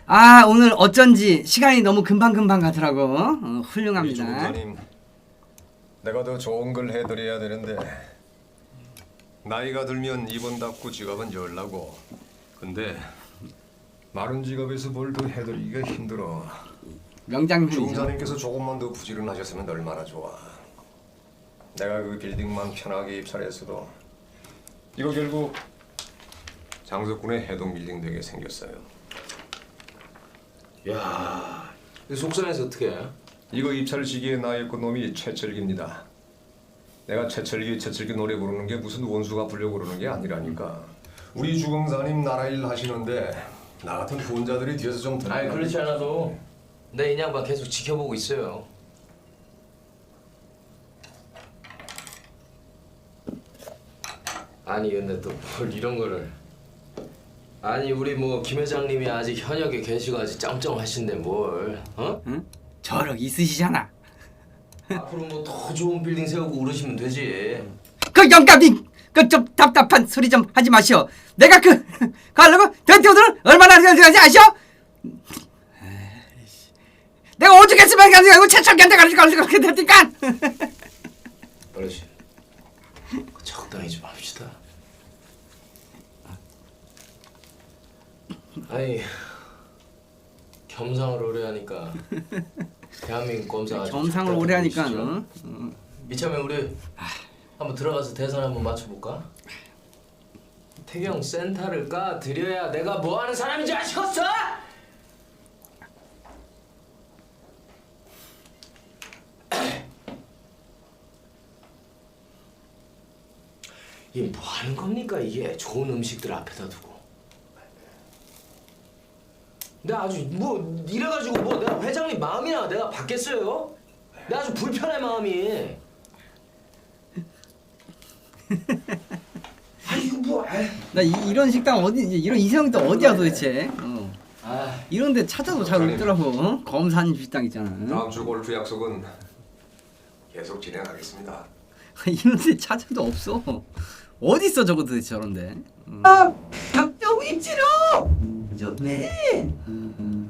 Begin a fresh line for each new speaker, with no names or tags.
아 오늘 어쩐지 시간이 너무 금방금방 가더라고. 훌륭합니다.
주무관님, 내가 더 좋은 걸 해드려야 되는데 나이가 들면 입은 닫고 지갑은 열라고. 근데 마른 지갑에서 뭘 더 해드리기가 힘들어.
명장면이죠.
주무관님께서 조금만 더 부지런하셨으면 얼마나 좋아. 내가 그 빌딩만 편하게 입찰했어도 이거 결국 장석군의 해동 빌딩 되게 생겼어요.
야, 이 속상해서 어떻게 해?
이거 입찰 시기에 나였고 놈이 최철기입니다. 내가 최철기 노래 부르는 게 무슨 원수가 부르려고 그러는 게 아니라니까. 우리 주공사님 나라 일 하시는데 나 같은 후원자들이 뒤에서 좀
아니 그렇지 않아도 내 인양반 계속 지켜보고 있어요. 아니 근데 또 뭘 이런 거를. 아니 우리 뭐 김 회장님이 아직 현역에 계시고 아직 짱짱하신데 뭘 어?
응? 저력 있으시잖아.
앞으로 뭐 더 좋은 빌딩 세우고 그러시면 되지.
그 영감님 그 좀 답답한 소리 좀 하지 마시오. 내가 그 하려고 대표들은 얼마나 생각하지 아시오? 내가 오죽했으면 가지고 최철기한테 가지고 그렇게 됐니까.
어르신 적당히 좀 합시다. 아니 겸상을 오래 하니까 대한민국 검사가
겸상을 오래 하니까
이참에 우리 한번 들어가서 대선 한번 맞춰볼까? 태경 센터를 까 드려야 내가 뭐 하는 사람인지 아시겠어? 이게 뭐 하는 겁니까 이게 좋은 음식들 앞에다 두고. 내가 아주 뭐 이래가지고 뭐 내가 회장님 마음이나 내가 받겠어요? 내가 아주 불편해 마음이. 아 이거 뭐?
나 이런 식당 어디 이런 이상형도 어디야 도대체? 이런데 찾아도 잘 없더라고. 검사님 식당 있잖아.
다음 주 골프 약속은 계속 진행하겠습니다.
이런데 찾아도 없어. 어디 있어 저거 도대체 저런데?
박정희 치료 좋네.